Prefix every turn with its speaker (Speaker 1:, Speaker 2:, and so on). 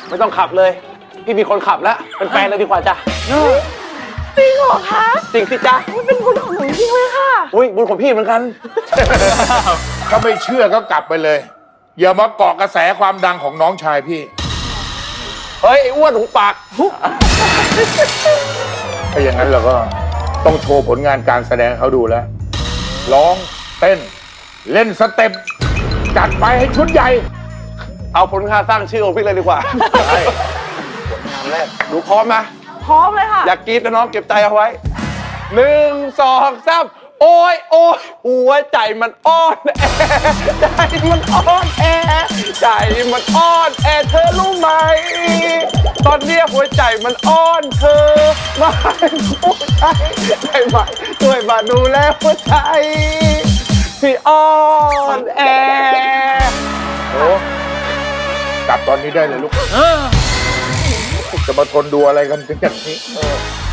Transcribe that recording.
Speaker 1: ไม่ต้องขับเลย พี่มีคนขับแล้วเป็นแฟนเลยดีกว่าจ้ะ
Speaker 2: จริงเหรอคะ
Speaker 1: จริงสิจ้ะ
Speaker 2: มันเป็นบุญของหนูจริงเลยค่ะ
Speaker 1: อุ้ยบุญของพี่เหมือนกัน
Speaker 3: ถ้าไม่เชื่อก็กลับไปเลย อย่ามาเกาะกระแสความดังของน้องชายพี่
Speaker 1: เฮ้ยไอ้อ้วนหูปาก
Speaker 3: ถ้าอย่างนั้นเราก็ต้องโชว์ผลงานการแสดงเขาดูแล้ว ร้องเต้น เล่นสเต็ปจัดไปให้ชุดใหญ่
Speaker 1: เอาผลงานสร้างชื่อของพี่เลยดีกว่า
Speaker 3: ใช่
Speaker 1: ผลงานแรกดูพร้อมไหม
Speaker 2: พร้อมเลยค่ะ
Speaker 1: อยากกรี๊ดนะน้องเก็บใจเอาไว้1 2 3โอ้ยโอ้ยหัวใจมันอ่อนแอใจมันอ่อนแอใจมันอ่อนแอเธอรู้ไหม ตอนเนี้ยหัวใจมันอ่อนเธอมาหัวใจได้ไหมช่วยมาดูแลหัวใจที่อ่อนแอ
Speaker 3: โอ้กลับตอนนี้ได้เลยลูก จะมาทนดูอะไรกันถึงอย่างนี้